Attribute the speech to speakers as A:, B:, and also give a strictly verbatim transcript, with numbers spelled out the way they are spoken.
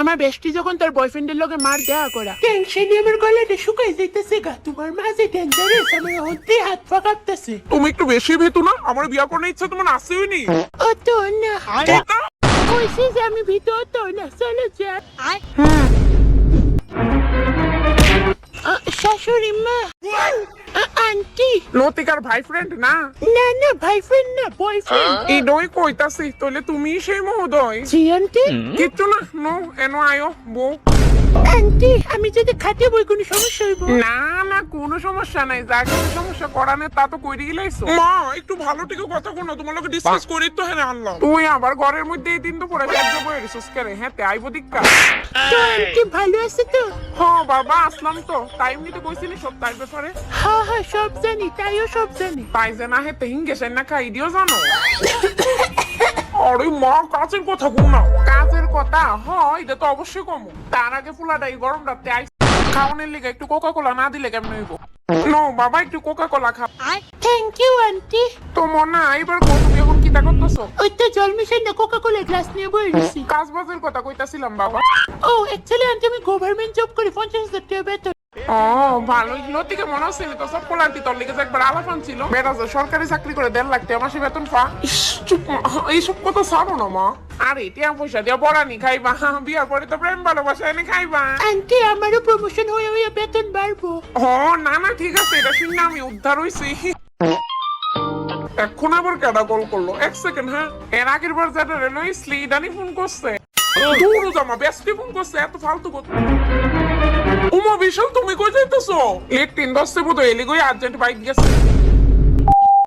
A: আমার বেস্টি যখন তার বয়ফ্রেন্ডের লগে মার দেয়া করা টেনশনে আমার গলাটা শুকাই যাইতেছে গা। তোমার মাঝে ডেঞ্জারাস, আমার হতে হাত পা কাঁপতেছে।
B: তুমি একটু বেশি ভেতু না, আমার বিয়া করার ইচ্ছা তোমার আসেও নি।
A: ও তো না, কইছি যে আমি ভিতর তো না, চলো যা। শাশুড়ি মা, আন্টি।
B: লতিকার ভাই ফ্রেন্ড না?
A: না না, ভাই ফ্রেন্ড না, বয়ফ্রেন্ড।
B: এই দই কইতাছি, তাহলে তুমি সেই মহোদয়?
A: জি আন্টি।
B: কিচ্ছু না, নো এনো আয়ো বউ।
A: আন্টি, আমি যদি খাটে বই কোনো সমস্যা হইব?
B: না না, কোনো সমস্যা নাই, যা কিছু সমস্যা করানে তা তো কইরে গেলাইছো। মা একটু ভালো থেকে কথা কোনা, তোমার লগে ডিসকাস করি তো। হ্যাঁ আনলাম। তুই আবার ঘরের মধ্যে এই দিন তো পরে কাজ বই রিসোর্স করে। হ্যাঁ তে আইবো দিক্কা।
A: তো আন্টি ভালো আছে তো?
B: হ্যাঁ বাবা আসলাম তো, টাইম নিতে কইছিলি সব তাই ব্যাপারে।
A: হ্যাঁ হ্যাঁ, সব জানি, তাইও সব জানি।
B: তাই যে না হেতে হিঙ্গেছে না খাই দিও জানো। আরে মা, কাজের কথা কোনা। কাজের কথা হয়, এটা তো অবশ্যই কম। তার আগে ফুলাটাই গরম রাতে আইস খাওয়ানোর লিগে একটু কোকা কোলা না দিলে কেমন হইব? নো বাবা, একটু কোকা কোলা খাও।
A: Thank you aunty.
B: তো মনা এবার কো, তুমি এখন কি তা করতেছো?
A: ওই তো জল মিশাই না, কোকা কোলা গ্লাস নিয়ে বই রইছি।
B: কাজ বাজের কথা কইতাছিলাম বাবা।
A: ও অ্যাকচুয়ালি আন্টি আমি গভর্নমেন্ট জব করি, পঞ্চাশ হাজার টাকা বেতন।
B: ও ভালোই। লতিকে মনে হচ্ছে তো সব পোলান্টি তোর লিগে যে একবার আলাপান ছিল। বেটা যে সরকারি চাকরি করে দেড় লাখ টাকা মাসে বেতন পা। ইস, চুপ মা, এইসব কথা ছাড়ো না মা। আরে টিয়া পয়সা দিয়া বড়ানি খাইবা, বিয়ার পরে তো প্রেম ভালোবাসা এনে খাইবা।
A: আন্টি আমারও প্রমোশন হয়ে হয়ে বেতন বাড়বো।
B: ও না না, ঠিক আছে, এটা শুনে আমি উদ্ধার হইছি। এখন আবার কেডা কল করলো? এক সেকেন্ড। হ্যাঁ, এর আগের বার যেটা রেলওয়ে স্লিডানি ফোন করছে। দূর জামা বেস্টি ফোন করছে, এত ফালতু কথা। উমা বিশাল, তুমি কই যাইতেছো? লেট তিন দশে বোধ এলি গই আর্জেন্ট বাইক গেছে।